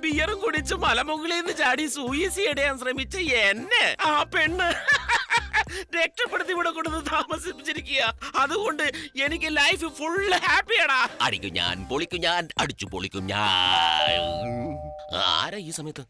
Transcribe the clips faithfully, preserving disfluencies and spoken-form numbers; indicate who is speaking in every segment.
Speaker 1: ബിയറും കുടിച്ച് മലമുകളിൽ നിന്ന് ചാടി സൂയിസൈഡ് ചെയ്യാൻ ശ്രമിച്ച എന്നെ ആ പെണ്ണ് രക്ഷപ്പെടുത്തി ഇവിടെ കൊണ്ടു താമസിപ്പിച്ചിരിക്കുക. അതുകൊണ്ട് എനിക്ക് ലൈഫ് ഫുൾ ഹാപ്പിയാടാ. അടിക്കും ഞാൻ, പൊളിക്കും ഞാൻ, അടിച്ചു പൊളിക്കും ഞാൻ. ആരാ ഈ സമയത്ത്?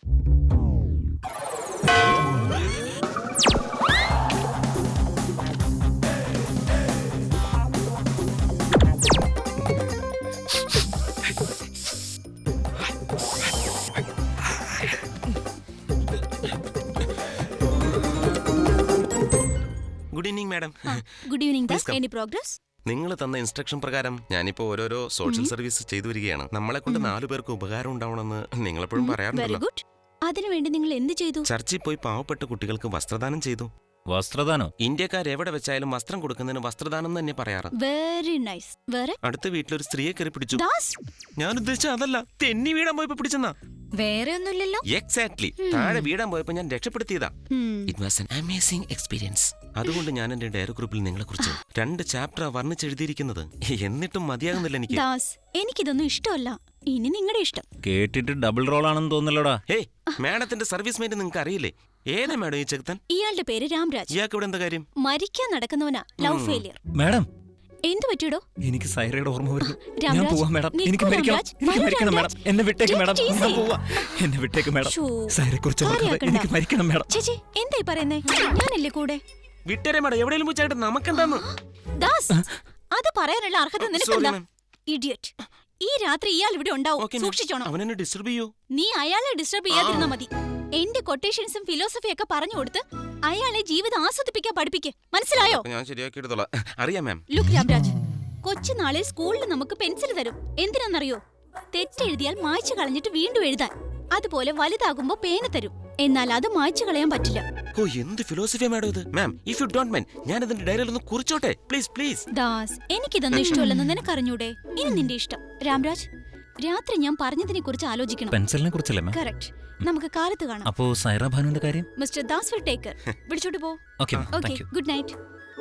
Speaker 1: Good evening madam.
Speaker 2: Good evening. Any progress?
Speaker 1: നിങ്ങൾ തന്ന ഇൻസ്ട്രക്ഷൻ പ്രകാരം ഞാനിപ്പോ ഓരോരോ സോഷ്യൽ സർവീസ് ചെയ്തു വരികയാണ്. നമ്മളെ കൊണ്ട് നാലു പേർക്ക് ഉപകാരം ഉണ്ടാവണമെന്ന് നിങ്ങളെപ്പോഴും പറയാറുണ്ടല്ലോ.
Speaker 2: Very good. അതിനുവേണ്ടി നിങ്ങൾ എന്ത് ചെയ്തു?
Speaker 1: ചർച്ചിൽ പോയി പാവപ്പെട്ട കുട്ടികൾക്ക് വസ്ത്രദാനം ചെയ്തു.
Speaker 3: വസ്ത്രദാനോ?
Speaker 1: ഇന്ത്യക്കാർ എവിടെ വെച്ചാലും വസ്ത്രം കൊടുക്കുന്നതിന് വസ്ത്രദാനം തന്നെ പറയാറ്.
Speaker 2: Very nice. വേറെ?
Speaker 1: അടുത്ത വീട്ടിലൊരു സ്ത്രീയെ കയറി പിടിച്ചു.
Speaker 2: ദാസ്,
Speaker 1: ഞാൻ ഉദ്ദേശിച്ച അതല്ല, തെന്നി വീടാൻ പോയപ്പോ പിടിച്ചെന്നാ.
Speaker 2: വേറെ ഒന്നുമില്ലല്ലോ.
Speaker 1: എക്സാക്ട്ലി. താഴെ വീടാൻ പോയപ്പോ ഞാൻ രക്ഷപ്പെടുത്തിയതാ. It was an amazing experience. അതുകൊണ്ട് ഞാൻ എന്റെ ഡയറി ഗ്രൂപ്പിൽ നിങ്ങളെ കുറിച്ച് രണ്ട് ചാപ്റ്റർ വർണ്ണിച്ചെഴുതിയിരിക്കുന്നത്. എന്നിട്ടും മതിയാകുന്നില്ല എനിക്ക്.
Speaker 2: ദാസ്, എനിക്കിതൊന്നും ഇഷ്ടമല്ല. ഇനി നിങ്ങളുടെ ഇഷ്ടം.
Speaker 3: കേട്ടിട്ട് ഡബിൾ റോൾ ആണെന്ന് തോന്നലോടാ.
Speaker 1: ഏയ്, മാഡത്തിന്റെ സർവീസ് മെന്റ് നിങ്ങൾക്ക് അറിയില്ലേ? ഏതാ മാഡം ഈ ചെറുക്കൻ?
Speaker 2: ഇയാളുടെ പേര് രാംരാജ്.
Speaker 1: ഇയാൾക്ക് ഇവിടെ എന്താ കാര്യം?
Speaker 2: മരിക്കാൻ നടക്കുന്നവനാ. Love failure.
Speaker 3: മാഡം,
Speaker 2: എന്ത് പറ്റിയോ?
Speaker 3: എനിക്ക് സൈറയുടെ ഓർമ്മ വരുന്നു.
Speaker 2: രാംരാജ്,
Speaker 3: ഞാൻ പോവാ മാഡം.
Speaker 2: നിൽക്കൂ
Speaker 3: എനിക്ക് മരിക്കണം.
Speaker 2: രാംരാജ്.
Speaker 3: എനിക്ക്
Speaker 2: വരൂ
Speaker 3: മരിക്കണം മാഡം.
Speaker 2: രാംരാജ്.
Speaker 3: എന്നെ വിട്ടേക്ക് മാഡം.
Speaker 2: Take it
Speaker 3: ഞാൻ
Speaker 2: easy.
Speaker 3: പോവാ. എന്നെ വിട്ടേക്ക് മാഡം.
Speaker 2: ശോ,
Speaker 3: സൈറയെ കുറിച്ച് ഓർക്കാതെ
Speaker 2: കാര്യാക്കണ്ട.
Speaker 3: എനിക്ക് മരിക്കണം മാഡം.
Speaker 2: ചേച്ചി, എന്തായി പറയുന്നേ? ഞാനല്ലേ കൂടെ.
Speaker 1: വിട്ടേരെ മാഡം, എവിടെയെങ്കിലും പോയിട്ട് നമുക്കെന്താന്ന്?
Speaker 2: ദാസ്, അത് പറയാനുള്ള അർഹത
Speaker 1: Sorry,
Speaker 2: നിനക്കെന്താ?
Speaker 1: ma'am.
Speaker 2: ഇഡിയറ്റ്. ഈ രാത്രി ഇയാൾ ഇവിടെ ഉണ്ടാവും.
Speaker 1: Okay, ma'am.
Speaker 2: സൂക്ഷിച്ചോണം.
Speaker 1: അവൻ എന്നെ ഡിസ്റ്റർബ് ചെയ്യൂ.
Speaker 2: നീ അയാളെ ഡിസ്റ്റർബ് ചെയ്യാതിരുന്നാ മതി. എന്റെ കൊട്ടേഷൻസും ഫിലോസഫി ഒക്കെ പറഞ്ഞു കൊടുത്ത് അയാളെ ജീവിതം ആസ്വദിപ്പിക്കാൻ പഠിപ്പിക്ക്. മനസ്സിലായോ?
Speaker 1: ഞാൻ ശരിയാക്കി എടുത്തോളാം. അറിയാം മാം.
Speaker 2: ലുക്ക് രാംരാജ്, കൊച്ചുനാളിൽ സ്കൂളിൽ നമുക്ക് പെൻസിൽ തരും. എന്തിനാണെന്നറിയോ? തെറ്റെഴുതിയാൽ മായ്ച്ചു കളഞ്ഞിട്ട് വീണ്ടും എഴുതാൻ. അതുപോലെ വലുതാകുമ്പോ പേന തരും. എന്നാൽ അത് മായ്ച്ചു കളയാൻ പറ്റില്ല.
Speaker 1: ഓ, എന്ത് ഫിലോസഫിയാ മാഡം ഇത്? Ma'am, if you don't mind, ഞാൻ ഇതിന്റെ ഡയറിയിൽ ഒന്ന് കുറിച്ചോട്ടെ പ്ലീസ് പ്ലീസ്.
Speaker 2: ദാസ്, എനിക്കിതൊന്നും ഇഷ്ടമല്ലെന്ന് നിനക്കറിഞ്ഞൂടെ? ഇനി നിന്റെ ഇഷ്ടം. രാംരാജ്, രാത്രി ഞാൻ പറഞ്ഞതിനെ കുറിച്ച് ആലോചിക്കണം.
Speaker 3: പെൻസിലിനെ കുറിച്ചല്ലേ മാം?
Speaker 2: കറക്റ്റ്. നമുക്ക് കാലത്ത് കാണാം.
Speaker 3: അപ്പോ സൈറ ഭാനുവിന്റെ കാര്യം?
Speaker 2: Mister Das will take care. വിളിച്ചോട്ട് പോ.
Speaker 3: Okay ma'am,
Speaker 2: okay,
Speaker 3: thank you.
Speaker 2: Good night.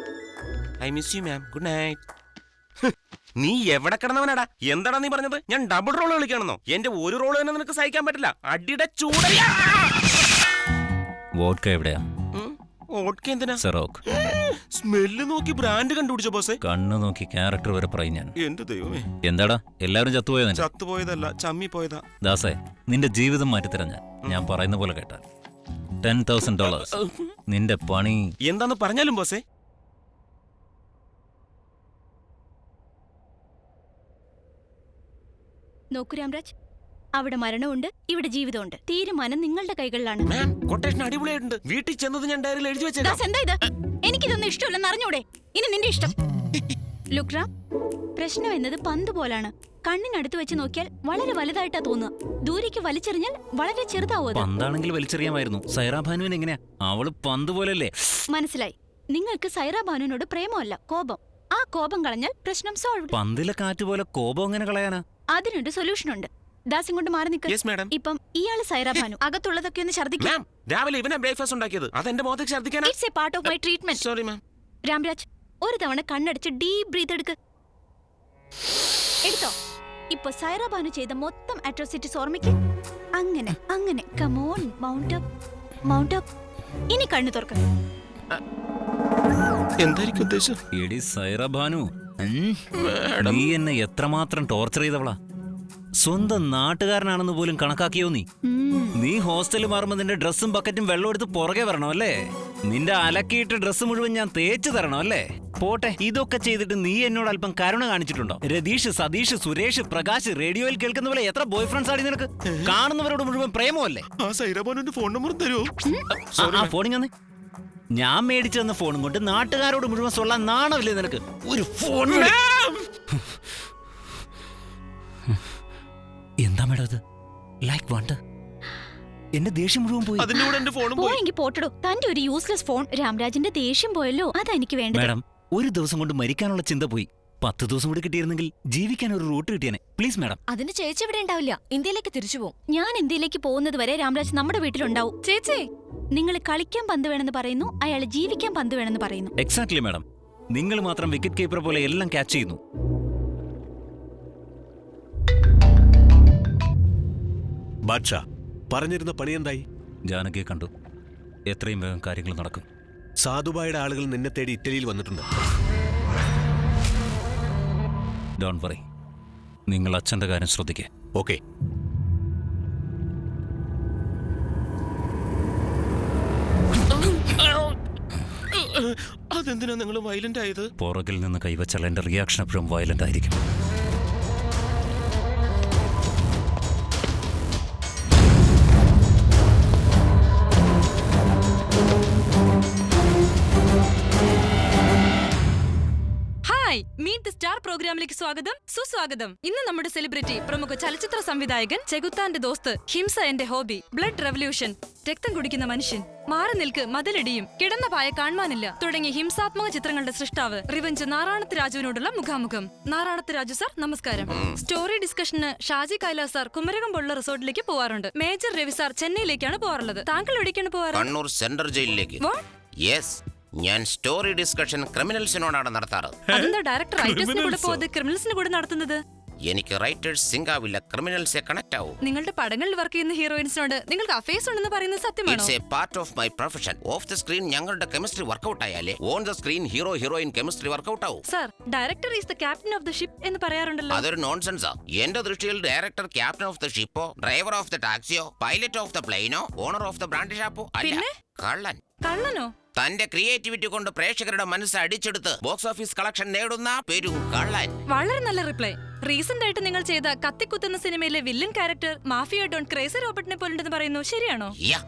Speaker 1: I miss you ma'am. Good night. നീ എവിടെ കിടന്നവനാടാ? എന്താടാ നീ പറഞ്ഞത്? ഞാൻ ഡബിൾ റോൾ കളിക്കണമെന്നോ? എന്റെ ഒരു റോൾ തന്നെ നിനക്ക് സഹിക്കാൻ പറ്റില്ല. അടിയുടെ ചൂടയാ.
Speaker 3: വോഡ്ക എവിടെയാ?
Speaker 1: ഓട്ക എന്തിനാ?
Speaker 3: സെറോക്ക്.
Speaker 1: സ്മെല്ല് നോക്കി ബ്രാൻഡ് കണ്ടുപിടിച്ച ബോസേ.
Speaker 3: കണ്ണു നോക്കി ക്യാരക്ടർ വരെ പറയും ഞാൻ.
Speaker 1: എന്റെ ദൈവമേ.
Speaker 3: എന്താടാ എല്ലാവരും ചത്തുപോയോ?
Speaker 1: ചത്തുപോയതല്ല, ചമ്മി പോയതാ.
Speaker 3: ദാസേ, നിന്റെ ജീവിതം മാറ്റിത്തരാം ഞാൻ. ഞാൻ പറയുന്ന പോലെ കേട്ടാൽ ടെൻ തൗസൻഡ് ഡോളേഴ്സ്. നിന്റെ പണി
Speaker 1: എന്താന്ന് പറഞ്ഞാലും ബോസേ.
Speaker 2: നോക്കൂ രാംരാജ്, അവിടെ മരണമുണ്ട്, ഇവിടെ ജീവിതമുണ്ട്. തീരുമാനം നിങ്ങളുടെ കൈകളിലാണ്.
Speaker 1: മാം, കൊട്ടേഷൻ അടിപൊളിയായിട്ടുണ്ട്. വീട്ടിൽ ചെന്നത് ഞാൻ ഡയറിയിൽ എഴുതി വെച്ചേക്കാം.
Speaker 2: ദാസ്, എന്താ ഇത്? എനിക്കിതൊന്നും ഇഷ്ടമല്ലെന്ന് അറിഞ്ഞൂടെ? ഇനി നിന്റെ ഇഷ്ടം. ലുക്ക് റാം, പ്രശ്നം എന്നത് പന്ത് പോലാണ്. കണ്ണിനടുത്ത് വെച്ച് നോക്കിയാൽ വളരെ വലുതായിട്ടാ തോന്നുക. ദൂരേക്ക് വലിച്ചെറിഞ്ഞാൽ വളരെ ചെറുതാവും അത്.
Speaker 3: പന്താണെങ്കിൽ വലിച്ചെറിയാമായിരുന്നു. സൈറ ഭാനുവിന് എങ്ങനെയാ? അവള് പന്ത് പോലല്ലേ?
Speaker 2: മനസ്സിലായി. നിങ്ങൾക്ക് സൈറ ബാനുവിനോട് പ്രേമമല്ല, കോപം. ആ കോപം കളഞ്ഞാൽ പ്രശ്നം സോൾവ്.
Speaker 3: പന്തിലെ കാറ്റ് പോലെ കോപം എങ്ങനെ കളയാനാ?
Speaker 2: അതിനൊരു സൊല്യൂഷൻ ഉണ്ട്. ദാസ് ഇങ്ങോട്ട് മാറി നിൽക്ക്.
Speaker 1: Yes madam.
Speaker 2: ഇപ്പം ഇയാള് സൈറ ബാനു. അകത്തുള്ളതൊക്കെ ഒന്ന് ഛർദ്ദിക്കാം.
Speaker 1: മാം, രാവിലെ ഇവനാ ബ്രേക്ക്ഫാസ്റ്റ് ഉണ്ടാക്കിയത്. അതെന്റെ മുഖത്തേക്ക് ഛർദ്ദിക്കാനാ?
Speaker 2: It's a part of my treatment.
Speaker 1: Sorry ma'am.
Speaker 2: Ramraj, ഒരു തവണ കണ്ണടിച്ച് ഡീപ് ബ്രീത്ത് എടുക്ക്. എടുത്തോ. ഇപ്പൊ സൈറ ബാനു ചെയ്ത മൊത്തം അട്രോസിറ്റീസ് ഓർമ്മിക്ക്. അങ്ങനെ അങ്ങനെ. Come on, mount up, mount up. ഇനി കണ്ണു തുറക്ക.
Speaker 1: എന്തായിരിക്കും ഉദ്ദേശം?
Speaker 3: എടി സൈറ ഭാനു, നീ എന്നെ എത്രമാത്രം ടോർച്ചർ ചെയ്തവളാ. സ്വന്തം നാട്ടുകാരനാണെന്ന് പോലും കണക്കാക്കിയോ നീ? നീ ഹോസ്റ്റലിൽ മാറുമ്പോ നിന്റെ ഡ്രസ്സും ബക്കറ്റും വെള്ളം എടുത്ത് പുറകെ വരണോ അല്ലേ? നിന്റെ അലക്കിയിട്ട് ഡ്രസ്സ് മുഴുവൻ ഞാൻ തേച്ചു തരണോ അല്ലേ? പോട്ടെ, ഇതൊക്കെ ചെയ്തിട്ട് നീ എന്നോട് അല്പം കരുണ കാണിച്ചിട്ടുണ്ടോ? രതീഷ്, സതീഷ്, സുരേഷ്, പ്രകാശ്, റേഡിയോയിൽ കേൾക്കുന്ന പോലെ എത്ര ബോയ് ഫ്രണ്ട്സ് ആണ് നിനക്ക്? കാണുന്നവരോട് മുഴുവൻ പ്രേമമല്ലേ?
Speaker 1: ആ സൈറബാനുവിന്റെ ഫോൺ നമ്പർ തരുമോ?
Speaker 3: ആ ഫോണിങ് വന്നേ. ഞാൻ മേടിച്ചു തന്ന ഫോണും കൊണ്ട് നാട്ടുകാരോട് മുഴുവൻ സൊല്ലാൻ നാണമില്ലേ നിനക്ക്? ഒരു ഫോൺ. എന്താ മേഡം അത്? ലൈക്ക് വണ്ട്. എന്റെ ദേഷ്യം മുഴുവൻ പോയി.
Speaker 1: അതിന്റെ കൂടെ എന്റെ ഫോണും പോയി.
Speaker 2: പോയെങ്കിൽ പോട്ടടോ. തന്റെ ഒരു യൂസ്ലെസ് ഫോൺ. രാംരാജിന്റെ ദേഷ്യം പോയല്ലോ, അതാ എനിക്ക് വേണ്ടത്.
Speaker 3: മേഡം, ഒരു ദിവസം കൊണ്ട് മരിക്കാനുള്ള ചിന്ത പോയി. പത്ത് ദിവസം കൂടി കിട്ടിയിരുന്നെങ്കിൽ ജീവിക്കാൻ ഒരു റൂട്ട് കിട്ടിയാനെ. Please madam.
Speaker 4: അതിന് ചേച്ചി ഇവിടെ ഉണ്ടാവില്ല. ഇന്ത്യയിലേക്ക് തിരിച്ചു പോകും.
Speaker 2: ഞാൻ ഇന്ത്യയിലേക്ക് പോകുന്നത് വരെ രാംരാജ് നമ്മുടെ വീട്ടിലുണ്ടാവും. ചേച്ചി, നിങ്ങൾ കളിക്കാൻ പന്ത് വേണമെന്ന് പറയുന്നു, അയാൾ ജീവിക്കാൻ പന്ത് വേണമെന്ന് പറയുന്നു.
Speaker 3: Exactly madam. നിങ്ങൾ മാത്രം വിക്കറ്റ് കീപ്പർ പോലെ എല്ലാം ക്യാച്ച് ചെയ്യുന്നു.
Speaker 5: ബാദ്ഷാ, പറഞ്ഞിരുന്ന പണി എന്തായി?
Speaker 3: ജാനകിയെ കണ്ടു. എത്രയും വേഗം കാര്യങ്ങൾ നടക്കും.
Speaker 5: സാധുബായുടെ ആളുകൾ നിന്നെ തേടി ഇറ്റലിയിൽ വന്നിട്ടുണ്ട്.
Speaker 3: ഡോൺ വറി, നിങ്ങൾ അച്ഛന്റെ കാര്യം ശ്രദ്ധിക്കേ.
Speaker 5: ഓക്കെ.
Speaker 1: അതെന്തിനാ നിങ്ങൾ വയലന്റ് ആയത്?
Speaker 3: പുറകിൽ നിന്ന് കൈവച്ചാൽ എന്റെ റിയാക്ഷൻ എപ്പോഴും വയലന്റ് ആയിരിക്കും.
Speaker 6: മീറ്റ് ദി സ്റ്റാർ പ്രോഗ്രാമിലേക്ക് സ്വാഗതം, സുസ്വാഗതം. ഇന്ന് നമ്മുടെ സെലിബ്രിറ്റി പ്രമുഖ ചലച്ചിത്ര സംവിധായകൻ ചെകുത്താന്റെ ദോസ്ത്, ഹിംസ എന്റെ ഹോബി, ബ്ലഡ് റെവല്യൂഷൻ, രക്തം കുടിക്കുന്ന മനുഷ്യൻ, മാറി നിൽക്ക് മതിലടിയും, കിടന്ന പായ കാണാനില്ല തുടങ്ങിയ ഹിംസാത്മക ചിത്രങ്ങളുടെ സൃഷ്ടാവ് റിവഞ്ച് നാരായണത്ത് രാജുവിനോടുള്ള മുഖാമുഖം. നാരായണത്ത് രാജു സാർ, നമസ്കാരം. സ്റ്റോറി ഡിസ്കഷന് ഷാജി കൈലാസ് സാർ കുമരകം പോലുള്ള റിസോർട്ടിലേക്ക് പോവാറുണ്ട്. മേജർ രവി സാർ ചെന്നൈയിലേക്കാണ് പോവാറുള്ളത്. താങ്കൾ എവിടേക്കാണ് പോവാറ്?
Speaker 7: കണ്ണൂർ സെൻട്രൽ ജയിലിലേക്ക്. യെസ്, ഞാൻ സ്റ്റോറി ഡിസ്കഷൻ ക്രിമിനൽസിനോടാണ് നടത്താറ്.
Speaker 6: അതെന്താ ഡയറക്ടർ റൈറ്റേഴ്സിന് കൂടെ പോവാതെ ക്രിമിനൽസിന് കൂടെ നടത്തുന്നത്?
Speaker 7: എനിക്ക് റൈറ്റേഴ്സ് സിങ്ക് ആവില്ല, ക്രിമിനൽസെ കണക്ട് ആവും.
Speaker 6: നിങ്ങളുടെ പടങ്ങളിൽ വർക്ക് ചെയ്യുന്ന ഹീറോയിൻസിനോട് നിങ്ങൾക്ക് അഫേഴ്സ് ഉണ്ടെന്ന് പറയുന്നത് സത്യമാണോ?
Speaker 7: It's a part of my profession. Of the screen ഞങ്ങളുടെ കെമിസ്ട്രി വർക്കൗട്ട് ആയാലേ on the screen hero heroine chemistry work out ആവും.
Speaker 6: Sir, director is the captain of the ship എന്ന് പറയാറുണ്ടല്ലോ.
Speaker 7: അതൊരു നോൺസെൻസാ. എന്റെ ദൃഷ്ടിയിൽ ഡയറക്ടർ ക്യാപ്റ്റൻ ഓഫ് ദ ഷിപ്പോ, ഡ്രൈവർ ഓഫ് ദ ടാക്സിയോ, പൈലറ്റ് ഓഫ് ദ പ്ലെയിനോ, ഓണർ ഓഫ് ദ ബ്രാൻഡ് ഷാപ്പോ അല്ല, കള്ളൻ.
Speaker 6: കള്ളനോ?
Speaker 7: തന്റെ ക്രിയേറ്റിവിറ്റി കൊണ്ട് പ്രേക്ഷകരുടെ മനസ്സ് അടിച്ചെടുത്ത് ബോക്സ് ഓഫീസ് കളക്ഷൻ നേടുന്ന പെരും കള്ളൻ.
Speaker 6: വളരെ നല്ല റിപ്ലൈ. റീസെന്റ് ആയിട്ട് നിങ്ങൾ ചെയ്ത കത്തിക്കുത്തുന്ന സിനിമയിലെ villain character mafia don crazy റോബർട്ടിനെ പോലുണ്ടെന്ന് പറയുന്നു, ശരിയാണോ?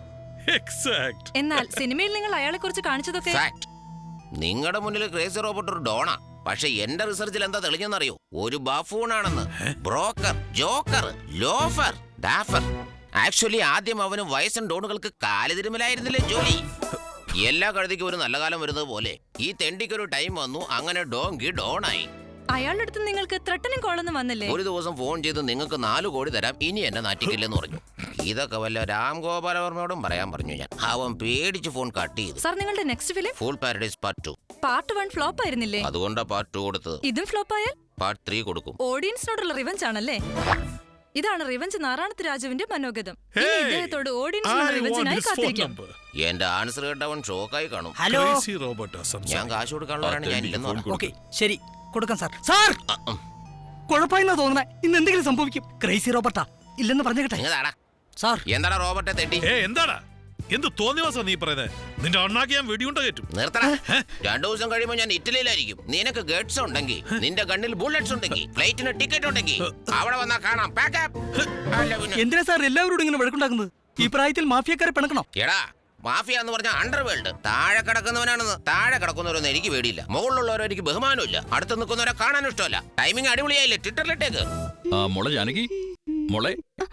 Speaker 6: എന്നാൽ സിനിമയിൽ നിങ്ങൾ അയാളെ കുറിച്ച് കാണിച്ചതൊക്കെ
Speaker 7: നിങ്ങളുടെ മുന്നിൽ ക്രേസി റോബോട്ട് ഒരു ഡോണാ. പക്ഷെ എന്റെ റിസർച്ചിൽ എന്താ തെളിഞ്ഞെന്നറിയോ? ഒരു ബഫൂണാണെന്ന്. Broker, joker, loafer, duffer. Actually ആദ്യം അവന് വയസ്സൻ ഡോണുകൾക്ക് കാലുതിരുമലായിരുന്നില്ലേ ജോലി. എല്ലാ കഴുതിക്കും ഒരു നല്ല കാലം വരുന്നത് പോലെ ഈ തെണ്ടിക്കൊരു ടൈം വന്നു. അങ്ങനെ ഡോങ്കി ഡോണായി.
Speaker 6: അയാളുടെ അടുത്ത് നിങ്ങൾക്ക് ത്രട്ടനിങ് കോളൊന്നും വന്നില്ലേ?
Speaker 7: ഒരു ദിവസം ഫോൺ ചെയ്ത് നിങ്ങൾക്ക് നാല് കോടി തരാം, ഇനി എന്നെ നാറ്റിക്കില്ലെന്ന് പറഞ്ഞു. ഇതൊക്കെ വല്ല രാം ഗോപാലവർമ്മയോടും പറയാൻ പറഞ്ഞു ഞാൻ. അവൻ പേടിച്ച് ഫോൺ കട്ട് ചെയ്തു.
Speaker 6: സാർ, നിങ്ങളുടെ next film
Speaker 7: full paradise part two.
Speaker 6: Part one flop ആയിരുന്നില്ലേ?
Speaker 7: അതുകൊണ്ടാ പാർട്ട് ടു കൊടുത്തത്.
Speaker 6: ഇതും ഫ്ലോപ്പ് ആയാൽ
Speaker 7: പാർട്ട് ത്രീ കൊടുക്കും.
Speaker 6: ഓഡിയൻസിനോടുള്ള റിവഞ്ച് ആണല്ലേ? ഇതാണ് റിവഞ്ച് നാരായണത്ത് രാജുവിന്റെ മനോഗതം. ഇനി ഇദ്ദേഹത്തോട് ഓഡിയൻസിനുള്ള റിവഞ്ചിനായി കാത്തിരിക്കാം.
Speaker 7: എന്റെ ആൻസർ കേട്ടവൻ ഷോക്കായി കാണും.
Speaker 8: ഹലോ,
Speaker 7: ഞാൻ കാശ് കൊടുക്കാനുള്ളവരാണ്, ഞാൻ ഇല്ലെന്ന് പറഞ്ഞു.
Speaker 8: ഓക്കെ, ശരി, കൊടുക്കാം സാർ. സാർ, കുഴപ്പമില്ല തോന്നുന്നേ. ഇന്ന് എന്തെങ്കിലും സംഭവിക്കും. ക്രേസി റോബർട്ടാ ഇല്ലെന്ന് പറഞ്ഞേക്കട്ടെ.
Speaker 7: എന്താടാ
Speaker 8: സാർ,
Speaker 7: എന്താടാ റോബർട്ടെ തെറ്റി?
Speaker 9: എന്താടാ എന്ത് തോന്നിവാസാ നീ പറയുന്നത്? നിന്റെ അണ്ണാക്കി ഞാൻ വെടിയുണ്ട കയറ്റും.
Speaker 7: നിർത്തടാ. രണ്ടു ദിവസം കഴിയുമ്പോൾ ഞാൻ ഇറ്റലിയിലായിരിക്കും. നിനക്ക് ഗഡ്സ് ഉണ്ടെങ്കിൽ, നിന്റെ ഗണ്ണിൽ ബുള്ളറ്റ്സ് ഉണ്ടെങ്കിൽ, ഫ്ലൈറ്റിന് ടിക്കറ്റ് ഉണ്ടെങ്കിൽ അവിടെ വന്നാ കാണാം.
Speaker 8: എന്തിനാ സാർ എല്ലാവരോടും ഇങ്ങനെ വഴക്കുണ്ടാക്കുന്നത്? ഈ പ്രായത്തിൽ മാഫിയക്കാരെ പിണക്കണോ?
Speaker 7: എടാ, മാഫിയ എന്ന് പറഞ്ഞ അണ്ടർവേൾഡ്. താഴെ കിടക്കുന്നവനാണെന്ന്. താഴെ കിടക്കുന്നവരൊന്നും എനിക്ക് പേടിയില്ല. മുകളിലുള്ളവരോ എനിക്ക് ബഹുമാനമില്ല. അടുത്ത് നിൽക്കുന്നവരെ കാണാനും ഇഷ്ടമല്ല. ടൈമിംഗ് അടിപൊളിയായില്ലേ? ട്വിറ്ററിലിട്ടേക്ക്.
Speaker 10: മോളെ ജാനകി, മോളെ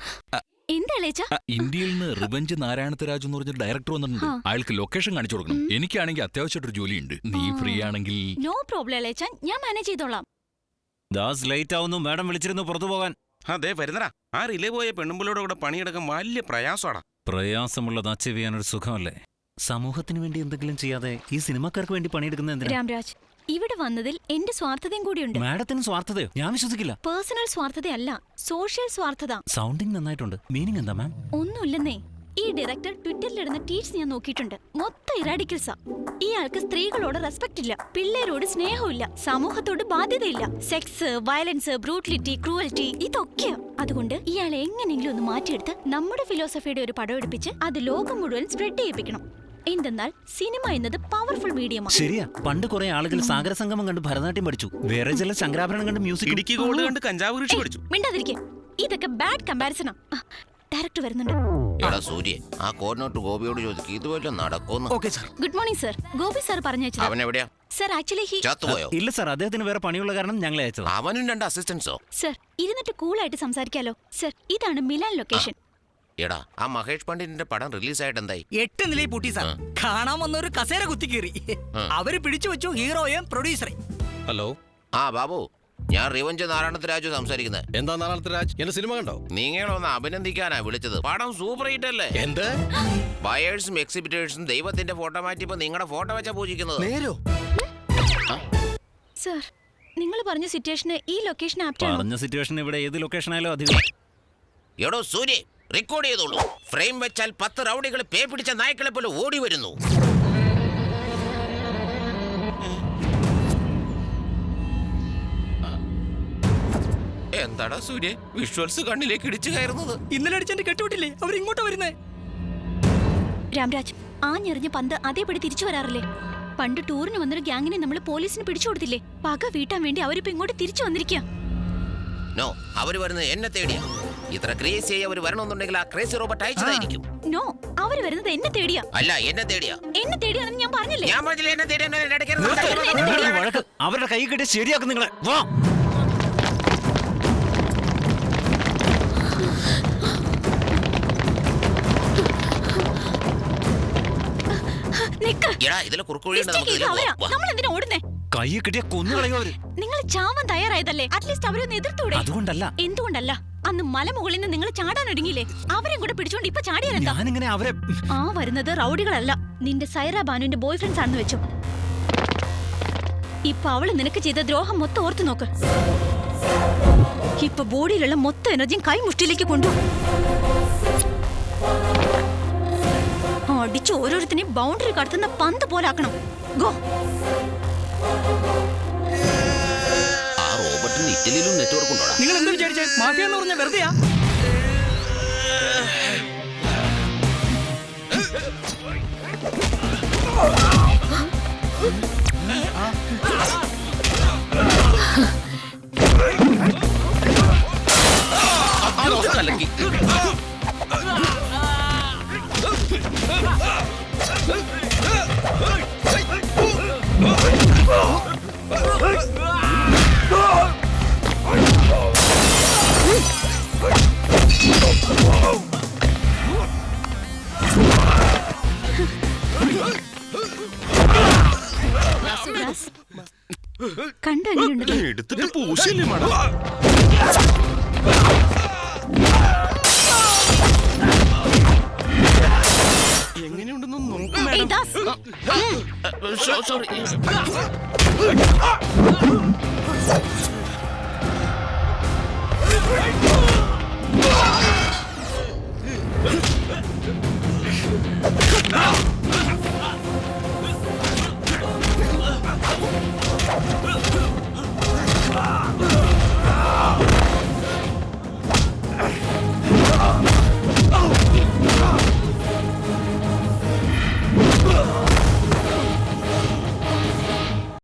Speaker 10: ഇന്ത്യയിൽ നിന്ന് റിവഞ്ച് നാരായണത്ത് രാജു എന്ന് പറഞ്ഞ ഡയറക്ടർ വന്നിട്ടുണ്ട്. അയാൾക്ക് ലൊക്കേഷൻ കാണിച്ചു കൊടുക്കണം. എനിക്കാണെങ്കിൽ അത്യാവശ്യമായിട്ടൊരു ജോലിയുണ്ട്. നീ ഫ്രീ ആണെങ്കിൽ
Speaker 2: നോ പ്രോബ്ലം അലേച്ചാൻ, ഞാൻ മാനേജ് ചെയ്തോളാം.
Speaker 3: ദാസ് ലേറ്റ് ആവുന്നു. മാഡം വിളിച്ചിരുന്നു പുറത്തു പോകാൻ.
Speaker 1: അതെ വരുന്നടാ. ആ റിലേ പോയ പെണ്ണുമ്പിളോട് കൂടെ പണിയെടുക്കാൻ വലിയ പ്രയാസമാടാ.
Speaker 3: പ്രയാസമുള്ളത് അച്ചീവ് ചെയ്യാനൊരു സുഖമല്ലേ? സമൂഹത്തിന് വേണ്ടി എന്തെങ്കിലും ചെയ്യാതെ ഈ സിനിമക്കാർക്ക് വേണ്ടി പണിയെടുക്കുന്ന എന്തിനാ?
Speaker 2: രാംരാജ്, ഇവിടെ വന്നതിൽ എന്റെ സ്വാർത്ഥതയും കൂടിയുണ്ട്.
Speaker 3: മാഡത്തിന് സ്വാർത്ഥതയോ? ഞാൻ വിശ്വസിക്കില്ല.
Speaker 2: പേഴ്സണൽ സ്വാർത്ഥതയല്ല, സോഷ്യൽ സ്വാർത്ഥത.
Speaker 3: സൗണ്ടിങ് നന്നായിട്ടുണ്ട്. മീനിങ് എന്താ മാം?
Speaker 2: ഒന്നുമില്ലെന്നേ. ഈ ഡയറക്ടർ ട്വിറ്ററിലിടുന്ന ട്വീറ്റ്സ് ഞാൻ നോക്കിയിട്ടുണ്ട്. മൊത്തം ഇറാഡിക്കൽസാ. ഇയാൾക്ക് സ്ത്രീകളോട് റെസ്പെക്ട് ഇല്ല, പിള്ളേരോട് സ്നേഹമില്ല, സമൂഹത്തോട് ബാധ്യതയില്ല. സെക്സ്, വയലൻസ്, ബ്രൂട്ടലിറ്റി, ക്രൂവൽറ്റി, ഇതൊക്കെയാ. അതുകൊണ്ട് ഇയാളെ എങ്ങനെയെങ്കിലും ഒന്ന് മാറ്റിയെടുത്ത് നമ്മുടെ ഫിലോസഫിയുടെ ഒരു പടം എടുപ്പിച്ച് അത് ലോകം മുഴുവൻ സ്പ്രെഡ് ചെയ്യിപ്പിക്കണം. എന്തെന്നാൽ സിനിമ എന്നത് പവർഫുൾ മീഡിയമാണ്.
Speaker 3: ശരിയാ. പണ്ട് കുറെ ആളുകൾ സാഗര സംഗമം കണ്ട് ഭരതനാട്യം പഠിച്ചു. വേറെ ചില ശങ്കരാഭരണം കണ്ട് മ്യൂസിക്,
Speaker 1: ഇടുക്കി ഗോൾഡ് കണ്ട് കഞ്ചാവ് കൃഷി പഠിച്ചു.
Speaker 2: മിണ്ടാതിരിക്കെ. ഇതൊക്കെ ബാഡ് കമ്പാരിസണാ. ഡയറക്ടർ വരുന്നുണ്ട്.
Speaker 7: എടാ സൂര്യ, ആ കോർഡിനേറ്റർ ഗോപിയോട് ചോദിക്കും ഇതുപോലെ നടക്കുന്നു.
Speaker 8: Okay sir.
Speaker 2: Good morning sir. Gopi sir പറഞ്ഞു വെച്ചത്.
Speaker 7: അവൻ എവിടെയാ?
Speaker 2: സർ, ആക്ച്വലി ഹി
Speaker 7: ചത്തുപോയോ?
Speaker 3: ഇല്ല സാർ, അദ്ദേഹത്തിന് വേറെ പണിയുള്ള കാരണം ഞങ്ങളെ അയച്ചത്.
Speaker 7: അവനും രണ്ട് അസിസ്റ്റൻസോ?
Speaker 2: സർ, ഇരുന്നിട്ട് കൂളായിട്ട് സംസാരിക്കാലോ. സർ, ഇതാണ് മിലാൻ ലൊക്കേഷൻ.
Speaker 7: എടാ, ആ മഹേഷ് പണ്ഡിറ്റിന്റെ പടം റിലീസായിട്ട് എന്തായി?
Speaker 8: എട്ട് നിലയിൽ പൂട്ടി സാർ. കാണാൻ വന്നൊരു കസേര കുത്തി കീറി. അവര് പിടിച്ചു വെച്ചു ഹീറോയും പ്രൊഡ്യൂസറെ.
Speaker 10: ഹലോ.
Speaker 7: ആ ബാബു, ഞാൻ റിവഞ്ച് നാരായണത്ത് രാജു സംസാരിക്കുന്നത്.
Speaker 10: എന്താ നാരായണത്ത് രാജ്, എന്റെ സിനിമ കണ്ടോ?
Speaker 7: നിങ്ങളൊന്ന് അഭിനന്ദിക്കാനാ വിളിച്ചത്. പടം സൂപ്പർ ഹിറ്റ് അല്ലേ?
Speaker 10: എന്ത്?
Speaker 7: ബയേഴ്സും എക്സിബിറ്റേഴ്സും ദൈവത്തിന്റെ ഫോട്ടോ മാറ്റിയപ്പോ നിങ്ങളുടെ ഫോട്ടോ വെച്ചാ പൂജിക്കുന്നത്.
Speaker 8: നേരോ?
Speaker 2: സർ, നിങ്ങൾ പറഞ്ഞ സിറ്റുവേഷന് ഈ ലൊക്കേഷൻ ആപ്റ്റ് ആണോ?
Speaker 3: പറഞ്ഞ സിറ്റുവേഷൻ ഇവിടെ ഏത് ലൊക്കേഷൻ ആയാലും അധികം.
Speaker 7: എടോ സൂര്യ, റെക്കോർഡ് ചെയ്തോളൂ. ഫ്രെയിം വെച്ചാൽ പത്ത് റൗഡികൾ പേ പിടിച്ച നായ്ക്കളെ പോലെ ഓടി വരുന്നു. എന്താടാ സൂര്യ വിഷ്വൽസ് കണ്ണിലേക്ക് ഇടിച്ചു കയറുന്നത്?
Speaker 8: ഇന്നലെ അടിച്ചെന്റെ കെട്ടുവിട്ടില്ലേ അവർ ഇങ്ങോട്ടാ വരുന്നേ.
Speaker 2: രാംരാജ് ആഞ്ഞെറിഞ്ഞ പന്ത് അതേപടി തിരിച്ചു വരാറില്ലേ? പണ്ട് ടൂറിന് വന്നൊരു ഗ്യാങ്ങിനെ നമ്മൾ പോലീസിന് പിടിച്ചു കൊടുത്തില്ലേ? പക വീട്ടാൻ വേണ്ടി അവരിപ്പോ ഇങ്ങോട്ട് തിരിച്ചു വന്നിരിക്കുക.
Speaker 7: നോ, അവര് വരുന്നത് എന്നെ തേടിയാ. ഇത്ര ക്രേസി ആയി അവര് വരണമെന്നുണ്ടെങ്കിൽ ആ ക്രേസി റോബോട്ട് അയച്ചതായിരിക്കും.
Speaker 2: നോ, അവര് വരുന്നത് എന്നെ തേടിയാ.
Speaker 7: അല്ല, എന്നെ തേടിയാ.
Speaker 2: എന്നെ തേടിയാണെന്ന് ഞാൻ പറഞ്ഞില്ലേ?
Speaker 7: ഞാൻ പറഞ്ഞില്ല എന്നെ തേടിയാ.
Speaker 3: വഴക്ക് അവരുടെ കൈ കെട്ടി ശരിയാക്കും നിങ്ങളെ. വാ.
Speaker 7: ഇതിലെ കുറുക്കുഴിയുണ്ട്, നമുക്ക് ഇതിലെ പോവാം. വാ.
Speaker 2: നമ്മൾ എന്തിനാ ഓടുന്നേ?
Speaker 3: കൈ കെട്ടിയ കൊന്നുകളയോ അവര്.
Speaker 2: നിങ്ങൾ ചാവാൻ തയ്യാറായതല്ലേ? അറ്റ്ലീസ്റ്റ് അവരൊന്ന് എതിർത്തൂടെ?
Speaker 3: അതുകൊണ്ടല്ല.
Speaker 2: എന്തുകൊണ്ടല്ല? അന്ന് മലമുകളിൽ നിന്ന് നിങ്ങൾ ചാടാൻ ഒരുങ്ങിയില്ലേ? അവരെയും കൂടെ പിടിച്ചോണ്ട് ഇപ്പൊ ചാടിയാലെന്താ?
Speaker 3: ഞാനിങ്ങനെ അവരെ
Speaker 2: ആ വരുന്നത് റൗഡികളല്ല, നിന്റെ സൈറ ബാനുവിന്റെ ബോയ് ഫ്രണ്ട്സ് ആണെന്ന് വെച്ചു. ഇപ്പൊ അവള് നിനക്ക് ചെയ്ത ദ്രോഹം മൊത്തം ഓർത്തു നോക്ക്. ഇപ്പൊ ബോഡിയിലുള്ള മൊത്തം എനർജിയും കൈമുഷ്ടിയിലേക്ക് കൊണ്ടുപോകും. അടിച്ച് ഓരോരുത്തരെയും ബൗണ്ടറി കടത്തുന്ന പന്ത് പോലാക്കണം. ഗോ.
Speaker 7: ആ റോബോട്ടിന് ഇറ്റലിയിലും നെറ്റ്വർക്ക് ഉണ്ടോടാ?
Speaker 8: നിങ്ങൾ എന്ത് വിചാരിച്ചേ? മാഫിയ എന്ന് പറഞ്ഞ വെറുതെയാ.
Speaker 7: കലക്കി.
Speaker 2: കണ്ടു എങ്ങനെയുണ്ട്?
Speaker 1: എടുത്തിട്ട് പൂശല്ലേ മാഡം? എങ്ങനെയുണ്ടെന്ന് നോക്കൂ
Speaker 2: ഏയ് ദാസ്.
Speaker 1: മാഡം. സോറി.